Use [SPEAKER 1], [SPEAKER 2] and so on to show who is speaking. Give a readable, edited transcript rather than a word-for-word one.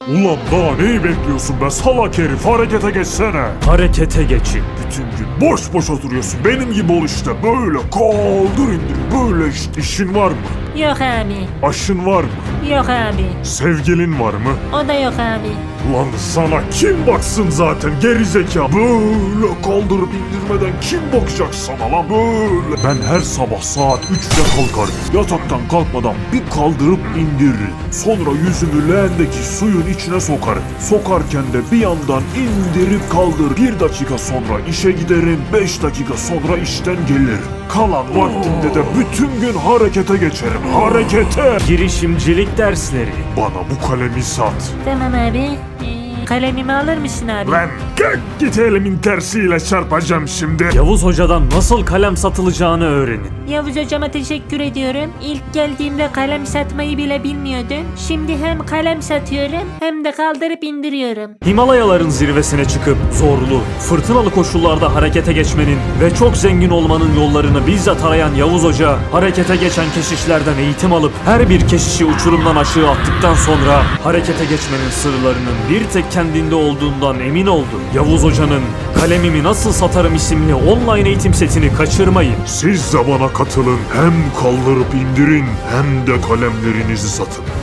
[SPEAKER 1] Ulan daha neyi bekliyorsun be salak herif, harekete geçsene.
[SPEAKER 2] Harekete geçin.
[SPEAKER 1] Bütün gün boş boş oturuyorsun, benim gibi ol işte, böyle kaldır indir, böyle işte. İşin var mı?
[SPEAKER 3] Yok abi.
[SPEAKER 1] Aşın var mı?
[SPEAKER 3] Yok abi.
[SPEAKER 1] Sevgilin var mı?
[SPEAKER 3] O da yok abi.
[SPEAKER 1] Lan sana kim baksın zaten gerizekalı. Böyle kaldırıp indirmeden kim bakacak sana lan böyle. Ben her sabah saat 3'te kalkarım. Yataktan kalkmadan bir kaldırıp indiririm. Sonra yüzümü leğendeki suyun içine sokarım. Sokarken de bir yandan indirip kaldır. 1 dakika sonra işe giderim. 5 dakika sonra işten gelirim. Kalan vaktimde de bütün gün harekete geçerim. Harekete.
[SPEAKER 2] Girişimcilik dersleri.
[SPEAKER 1] Bana bu kalemi sat.
[SPEAKER 3] Tamam abi. Kalemimi alır mısın abi?
[SPEAKER 1] Lan kalk git, elimin tersiyle çarpacağım şimdi.
[SPEAKER 2] Yavuz Hoca'dan nasıl kalem satılacağını öğrenin.
[SPEAKER 3] Yavuz hocama teşekkür ediyorum. İlk geldiğimde kalem satmayı bile bilmiyordum. Şimdi hem kalem satıyorum hem de kaldırıp indiriyorum.
[SPEAKER 2] Himalayaların zirvesine çıkıp zorlu, fırtınalı koşullarda harekete geçmenin ve çok zengin olmanın yollarını bizzat arayan Yavuz Hoca, harekete geçen keşişlerden eğitim alıp her bir keşişi uçurumdan aşağı attıktan sonra harekete geçmenin sırlarının bir tek kendinde olduğundan emin oldu. Yavuz Hoca'nın Kalemimi Nasıl Satarım isimli online eğitim setini kaçırmayın.
[SPEAKER 1] Siz de bana katılın. Hem kaldırıp indirin hem de kalemlerinizi satın.